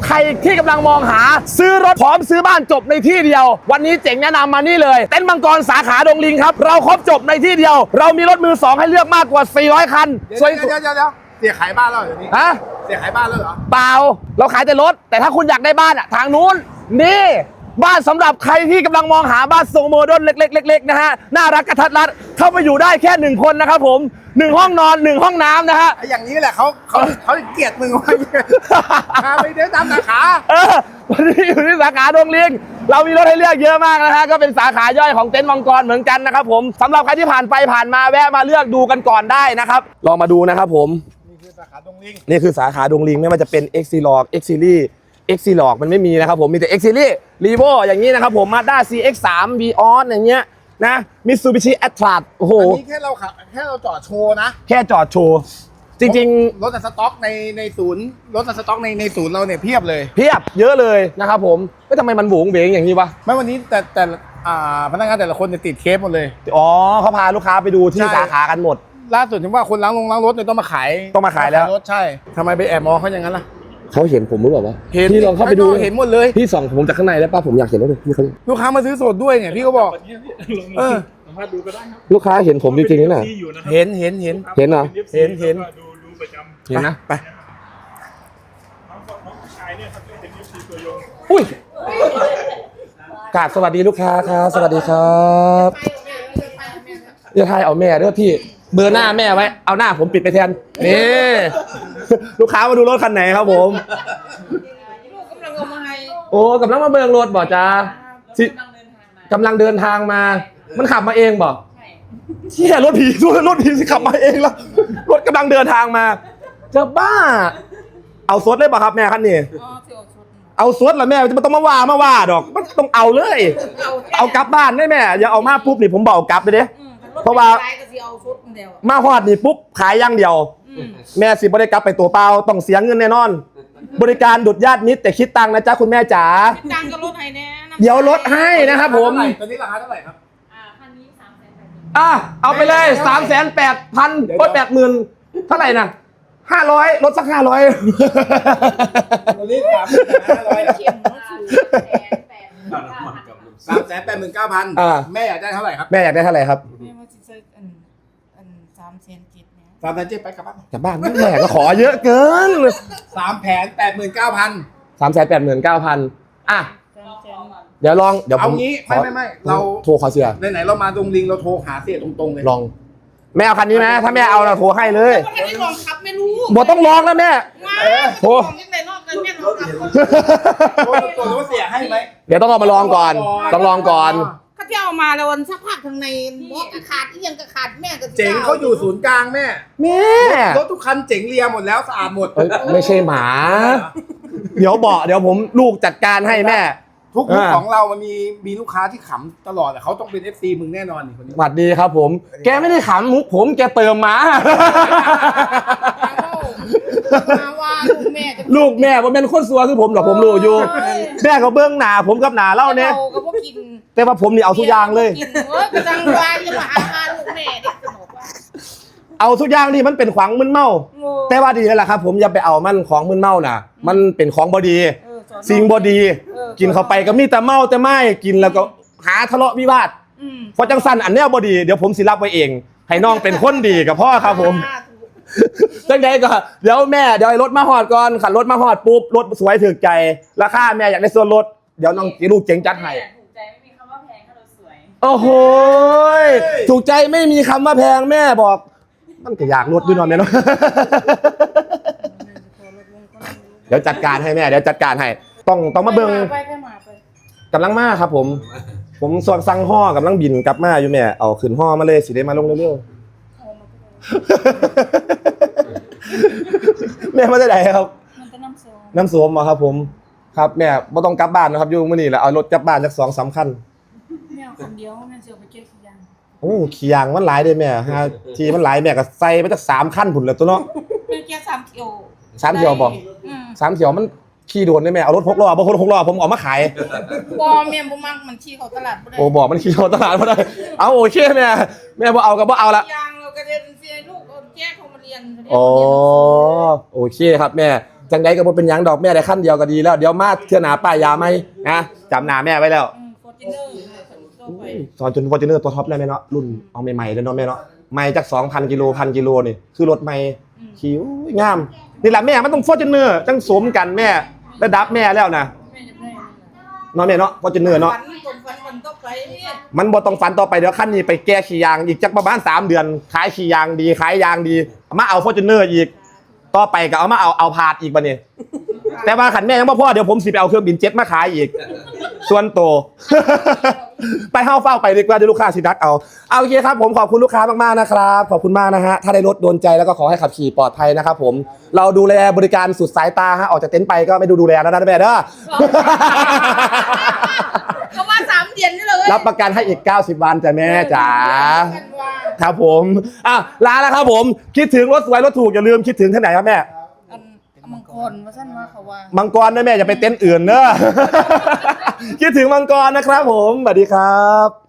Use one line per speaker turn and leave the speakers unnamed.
ใครที่กำลังมองหาซื้อรถพร้อมซื้อบ้านจบในที่เดียววันนี้เจ๋งแนะนำมานี่เลยเต็นท์มังกรสาขาดงลิงครับเราครบจบในที่เดียวเรามีรถมือสองให้เลือกมากกว่า400คัน
เดี๋ยวเสียขายบ้านแล้วเหรอนี่
ฮะ
เสียขายบ้านแล้วเหรอ
เปล่าเราขายแต่รถแต่ถ้าคุณอยากได้บ้านอ่ะทางนู้นนี่บ้านสำหรับใครที่กำลังมองหาบ้านทรงโมเดิร์นเล็กๆนะฮะน่ารักกระทัดรัดเข้าไปอยู่ได้แค่1คนนะครับผม1ห้องนอน1ห้องน้ำนะฮะ
อย่างนี้แหละเขาเกลียดมึงไว้ไปเดินตามสาขา
วันนี้อยู่ที่สาขาดงลิงเรามีรถให้เลือกเยอะมากนะฮะก็เป็นสาขาย่อยของเต็นท์มังกรเหมือนกันนะครับผมสำหรับใครที่ผ่านไปผ่านมาแวะมาเลือกดูกันก่อนได้นะครับลองมาดูนะครับผม
นี่คือสาขาดงลิง
ไม่ว่าจะเป็น X Series X Series X Series มันไม่มีนะครับผมมีแต่ X Series Revo อย่างนี้นะครับผม Mazda CX-3 Vios อย่างเงี้ยนะ Mitsubishi Atlas โอ้โห
อันนี้แค่เราจอดโชว์นะ
แค่จอดโชว์จริง
ๆรถสต็อกในศูนย์รถสต็อกในศูนย์เราเนี่ยเพียบเลย
เพียบเยอะเลยนะครับผมไม่ทำไมมันโหวงเวงอย่างนี้วะ
ไม่วันนี้แต่พนักงานแต่ละคนจะติดเคสหมดเลย
อ๋อเขาพาลูกค้าไปดูที่สาขากันหมด
ล่าสุดถึงว่าคนล้างรถเนี่ยต้องมาขาย
แล้ว
รถใช่ทำไมไปแอบมองเขาอย่างนั้นล่ะ
เขาเห็นผมหรือเปล่าวะ
เห็น
พี่ลองเข้าไปดู
เห็นหมดเลย
พี่ส่องผมจากข้างในได้ป่ะผมอยากเห็นแล้วเลยพี่เขา
ลูกค้ามาซื้อสดด้วยเนี่ยพี่ก็บอก
สามารถดูก็ได้ครับ
ลูกค้าเห็นผมจริงๆนี่น่ะ
เห็น
เหรอเ
ดูประจำ
เห็นนะไป
น้องชายเนี่ยครับเป็นยูซีตัวยง
อุ้ยกราบสวัสดีลูกค้าครับสวัสดีครับอย่าทายเอาแม่เด้อพี่เบอร์หน้าแม่ไว้เอาหน้าผมปิดไปแทนนี่ลูกค้ามาดูรถคันไหนครับผม
ลูกกำลังเอามาให้
โอ้กำลังมาเบิ่งรถบ่จ้ากำลังเดินทางมามันขับมาเองบ่เชี่ยรถผีสิขับมาเองแล้วรถกำลังเดินทางมาจะบ้าเอาซดเลยป่ะครับแม่คันนี้เอาซดเหรอแม่จะไม่ต้องมาว่าดอกมันต้องเอาเลยเอากลับบ้านได้แม่อย่าเอามาปุ๊บนี่ผมบอกกลับเลยเด้เพราะว่ามาฮอดนี่ปุ๊บขายอย่างเดียวแม่สิบ่ได้กลับไปตัวเปล่าต้องเสียเงินแน่นอนบริการดุดญาติมิตรแต่คิดตังค์นะจ๊ะคุณแม่จ๋า
ตังค์ก็ลดให้แน่
เดี๋ยวลดให้นะครับผม
ตอนนี้ราคาเท่าไหร่ครับ
คันนี้
เอาไปเลย380,000 80,000เท่าไหร่นะ500ลดสัก500
ตอนนี้389,000แม่อยากได้เท่าไหร่ครับ
แม่อยากได้เท่าไหร่ครับ
แม่ว่าจะซื้อ3,700
3,700ไปกลับ
บ้านแม่ก็ขอเยอะเกิน
389,000
389,000อ่ะเดี๋ยว
เอางี้ไม่เรา
โทรขอเสีย
ไหนเรามาดงลิงเราโทรหาเสียตรงๆเลย
ลองแม่เอาคันนี้ไหมถ้าแม่เอาเราโทรให้เลย
ไม่ลองขับไม่รู้
บ่ต้องลองนะแม่
โทรยังไงนอกกันแม่ลองขับ
ตัวรู้เสียให้ไหม
เดี๋ยวต้องเอามาลองก่อนต้องลองก่อน
เขาเที่ยวมาแล้ววันสักพักทางในรถขาดที่ยังขาดแม่ก็
เจ๋งเขาอยู่ศูนย์กลางแม่รถทุกคันเจ๋งเรียหมดแล้วสะอาดหมด
ไม่ใช่หมาเดี๋ยวผมลูกจัดการให้แม่
ทุกมุกของเรามันมีลูกค้าที่ขำตลอดแต่เขาต้องเป็น FC มึงแน่นอนนี่คนนี้
สวัสดีครับผมแกไม่ได้ขำมุกผมแกเติมมา
ว่า
ลูกแม่ผมเป็นคนซัวคือผมหรอกผมรู้อยู่แม่เขาเบื้องหน้าผมกับหน้าเล่าเนี่ยแต่ว่าผมนี่เอาทุกอย่างเลยเอาทุกอย่างที่มันเป็นของมึนเมาแต่ว่าดีแล้วล่ะครับผมอย่าไปเอามันของมึนเมาน่ะมันเป็นของบอดีสิ่งบอดีกินเข้าไปก็มีแต่เมาแต่ไม่กินแล้วก็หาทะเลาะวิวาทพอจังสันอันเนี้ยบอดีเดี๋ยวผมสิรับไว้เองให้น้องเป็นคนดีกับพ่อครับผมจังใดก็เดี๋ยวรถมาหอดก่อนขันรถมาหอดปุ๊บรถสวยถึกใจราคาแม่อยากได้ส่วนลดเดี๋ยวน้องลูกเจ๋งจัดให้
ถูกใจไม่มีคำว่าแพงถ้าเราสวย
โอ้โหถูกใจไม่มีคำว่าแพงแม่บอกมันก็อยากลดด้วยนอนเนี่ยเนาะเดี๋ยวจัดการให้แม่เดี๋ยวจัดการให้ต้องมาเบิ่งกำลังมาครับผมสั่งห่อกำลังบินกลับมาอยู่แม่เอาขึ้นห่อมาเลยสิได้มาลงเร็วๆแม่มาได้ไหนครับน้ำส้มมาครับผมครับแม่ไม่ต้องกลับบ้านนะครับอยู่มื้อนี้แหละเอารถกลับบ้านสัก 2-3 คัน
แม่คนเดียวแม่จะไปเก็บขี้ยาง
โอ้ขี้ยางมันหลายเด้แม่ทีมันหลายแม่ก็ใส่ไปสัก3 คันพุ่นแล้วตัวเนาะ
แม่เก็บ3 เที่ยว
3 เที่ยวบ่3 เที่ยวมันขี่โดนได้แม่เอารถ6 ล้อบ่คน6 ล้อผมเอามาขาย
บ่แม่บ่มักมันขี่เข้าตลาดบ่ได้
โอ้บอกมันขี่เข้าตลาดบ่ได้เอาโอเคแม่บ่เอาก็บ่เอาละ
ยางเราก็จะเสียลูกแยกเขามาเรียน
อ๋อโอเคครับแม่จังใดก็บ่เป็นหยังดอกแม่ได้ขั้นเดียวก็ดีแล้วเดี๋ยวมาเทื่อหน้าป้ายยาไหมนะจำหน้าแม่ไว้แล้ว
ฟอร์จูเนอร์ตัวไป
สอนจนฟอร์จูเนอร์ตัวท็อปเลยแม่เนาะรุ่นเอาใหม่ๆเลยเนาะแม่เนาะใหม่จาก 2,000 กิโล1,000 กิโลนี่คือรถใหม่คิวงามนี่แหละแม่มันต้องฟอร์จูเนอร์จังสมกันแม่ระดับแม่แล้วนะ
แม่จะได้
เนาะแม่เนาะฟอร์จูเนอร์เนาะ
ฝันต้องไปเนี่ย
มันบ่ต้องฝันต่อไปเดี๋ยวขั้นนี้ไปแก้ขี้ยางอีกจักประมาณ3 เดือนขายขี้ยางดีขายยางดีมาเอาฟอร์จูเนอร์อีกต่อไปก็เอามาเอาพาดอีกบัดนี้แต่ว่าขันแม่ยังบ่พอเดี๋ยวผมสิไปเอาเครื่องบินเจ็ตมาขายอีกส่วนโต ไปเฝ้าไปดีกว่าเดี๋ยวลูกค้าสิดักเอาโอเคครับผมขอบคุณลูกค้ามากๆนะครับขอบคุณมากนะฮะถ้าได้รถโดนใจแล้วก็ขอให้ขับขี่ปลอดภัยนะครับผมเราดูแลบริการสุดสายตาฮะออกจากเต็นท์ไปก็ไม่ดูแลแล้วนะแม่เด้อ
เขาว่า3 เดือนนี่เลย
รับประกันให้อีก90 วันจ้ะแม่จ๋าครับผมลาแล้วครับผมคิดถึงรถสวยรถถูกอย่าลืมคิดถึงที่ไหนครับแม่
มังกรว่าสั้นว่าเขาว่า
มังกรนะแม่อย่าไปเต็นท์อื่นเนอะ คิดถึงมังกรนะครับผมสวัสดีครับ